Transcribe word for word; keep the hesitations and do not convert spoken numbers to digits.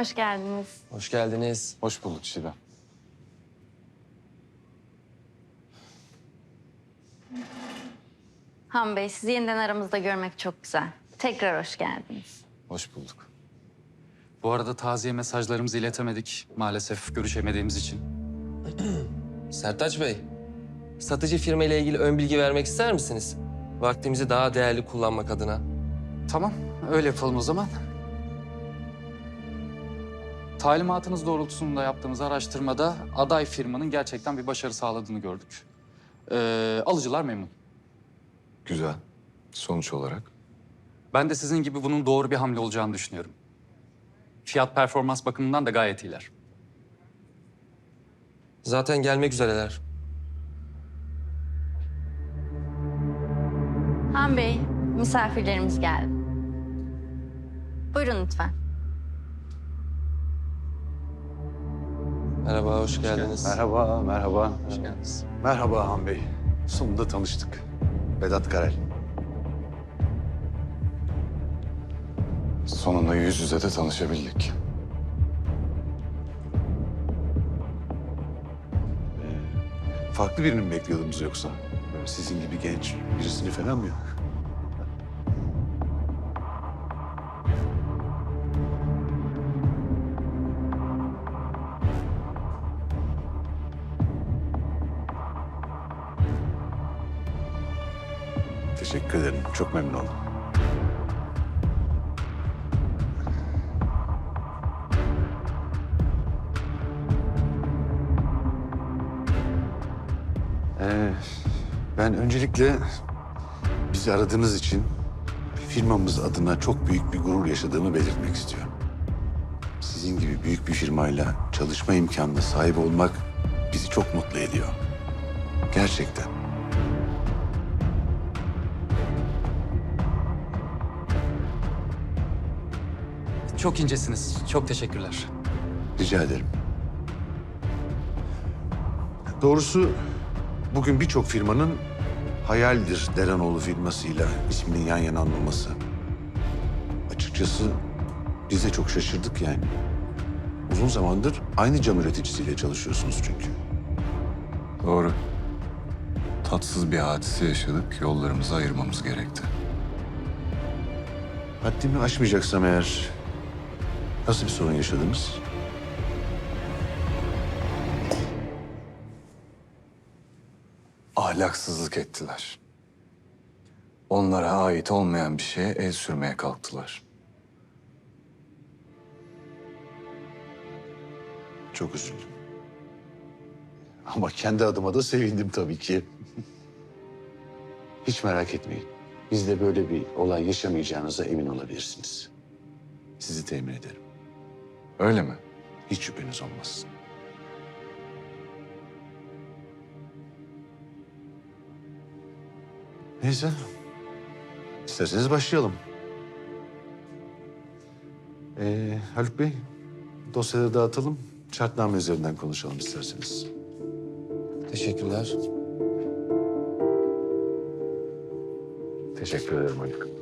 Hoş geldiniz. Hoş geldiniz. Hoş bulduk Çiğdem. Han Bey, sizi yeniden aramızda görmek çok güzel. Tekrar hoş geldiniz. Hoş bulduk. Bu arada taziye mesajlarımızı iletemedik maalesef görüşemediğimiz için. Sertaç Bey, satıcı firma ile ilgili ön bilgi vermek ister misiniz? Vaktimizi daha değerli kullanmak adına. Tamam, öyle yapalım o zaman. Talimatınız doğrultusunda yaptığımız araştırmada aday firmanın gerçekten bir başarı sağladığını gördük. Ee, alıcılar memnun. Güzel. Sonuç olarak? Ben de sizin gibi bunun doğru bir hamle olacağını düşünüyorum. Fiyat performans bakımından da gayet iyiler. Zaten gelmek üzereler. Han Bey, misafirlerimiz geldi. Buyurun lütfen. Merhaba, hoş geldiniz. Merhaba, merhaba. Hoş geldiniz. Merhaba Han Bey. Sonunda tanıştık. Vedat Karel. Sonunda yüz yüze de tanışabildik. Farklı birini mi bekliyordunuz yoksa? Böyle sizin gibi genç birisini falan mı? Teşekkür ederim. Çok memnun oldum. Ee, ben öncelikle bizi aradığınız için firmamız adına çok büyük bir gurur yaşadığımı belirtmek istiyorum. Sizin gibi büyük bir firmayla çalışma imkanına sahip olmak bizi çok mutlu ediyor. Gerçekten. Çok incesiniz. Çok teşekkürler. Rica ederim. Doğrusu bugün birçok firmanın hayaldir Deranoğlu firmasıyla isminin yan yana anılması. Açıkçası biz de çok şaşırdık yani. Uzun zamandır aynı cam üreticisiyle çalışıyorsunuz çünkü. Doğru. Tatsız bir hadise yaşadık. Yollarımızı ayırmamız gerekti. Haddimi aşmayacaksam eğer nasıl bir sorun yaşadınız? Ahlaksızlık ettiler. Onlara ait olmayan bir şeye el sürmeye kalktılar. Çok üzüldüm. Ama kendi adıma da sevindim tabii ki. Hiç merak etmeyin. Bizde böyle bir olay yaşamayacağınıza emin olabilirsiniz. Sizi temin ederim. Öyle mi? Hiç şüpheniz olmasın. Neyse. İsterseniz başlayalım. Ee, Haluk Bey, dosyaları dağıtalım. Şartname üzerinden konuşalım isterseniz. Teşekkürler. Teşekkür ederim Haluk.